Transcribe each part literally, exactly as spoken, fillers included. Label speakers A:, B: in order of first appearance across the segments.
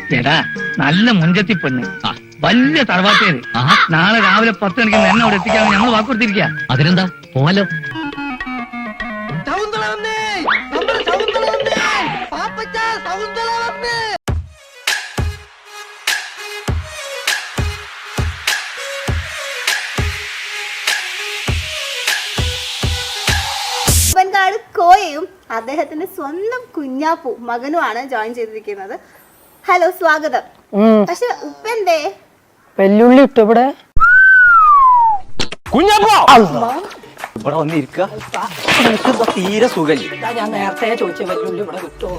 A: ചേട്ടാ നല്ല മുഞ്ചത്തി പെണ്ണ് വലിയ തറവാട്ടേര് നാളെ രാവിലെ പത്ത് മണിക്ക് എന്നെ അവിടെ എത്തിക്കാൻ ഞങ്ങൾ വാക്കുകൊടുത്തിരിക്കുക.
B: അതിനെന്താ പോവാലോ.
C: കോയയും അദ്ദേഹത്തിന്റെ സ്വന്തം കുഞ്ഞാപ്പു മകനുമാണ് ജോയിൻ ചെയ്തിരിക്കുന്നത്. ഹലോ, സ്വാഗതം. പക്ഷെ ഉപ്പന്തേ
D: വെല്ലുള്ളി ഇട്ടു ഇവിടെ
E: ഇവിടെ വന്നിരിക്ക തീരെ സുഖല്ലേ.
D: ഞാൻ നേരത്തെ ചോദിച്ച വെല്ലുള്ളി ഇവിടെ കിട്ടുമോ?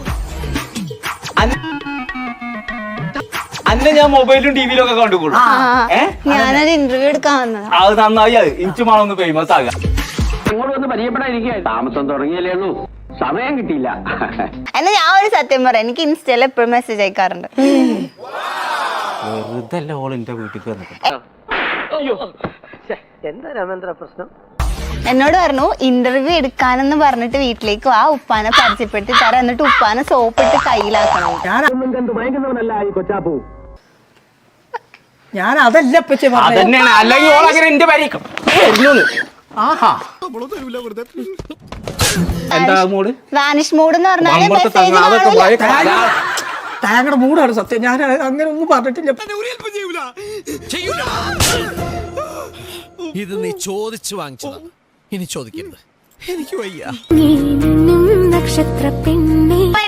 E: അന്നെ ഞാൻ മൊബൈലും ടിവിയിലും ഒക്കെ കണ്ടുകൊള്ളു.
C: ഞാനൊരു ഇന്റർവ്യൂ എടുക്കാൻ വന്നതാ.
E: അത് നന്നായി. അത് ഇഞ്ചുമാണൊന്ന് ഫേമസ് ആകാം.
F: ഇങ്ങോട്ട് വന്ന് പരിചയപ്പെടാതിരിക്കുക. താമസം തുടങ്ങിയല്ലേ ഉള്ളൂ, സമയം കിട്ടിയില്ല.
C: എന്നാ ഞാൻ ഒരു സത്യം പറയാം, എനിക്ക് ഇൻസ്റ്റയിൽ എപ്പോഴും മെസ്സേജ് അയക്കാറുണ്ട്.
E: വെറുതെ ഓളിന്റെ വീട്ടിൽ
F: എന്താ രാമേന്ദ്ര പ്രശ്നം?
C: എന്നോട് പറഞ്ഞു ഇന്റർവ്യൂ എടുക്കാനെന്ന് പറഞ്ഞിട്ട് വീട്ടിലേക്ക് ആ ഉപ്പാനെ പരിചയപ്പെടുത്തി തരാം, എന്നിട്ട് ഉപ്പാനെ സോപ്പിട്ട് കയ്യിലാക്കണം.
F: ഭയങ്കരവനല്ല ഈ കൊച്ചാപ്പൂ.
D: ഞാൻ അതല്ല
E: അതന്നെയാണ്. അല്ലെങ്കിൽ ഓളങ്ങനെ എന്റെ പരിക്കും.
D: ആഹാ
E: എന്താ മൂട്?
C: വാനിഷ് മൂഡ് എന്ന് പറഞ്ഞാൽ
D: താങ്കളുടെ മൂടാണ് സത്യം. ഞാൻ അങ്ങനെ ഒന്നും പറഞ്ഞിട്ടില്ല.
G: ഇത് നീ ചോദിച്ചു വാങ്ങിച്ചതാ, ഇനി ചോദിക്കരുത്. എനിക്ക് വയ്യ.
H: നക്ഷത്ര പെണ്ണേ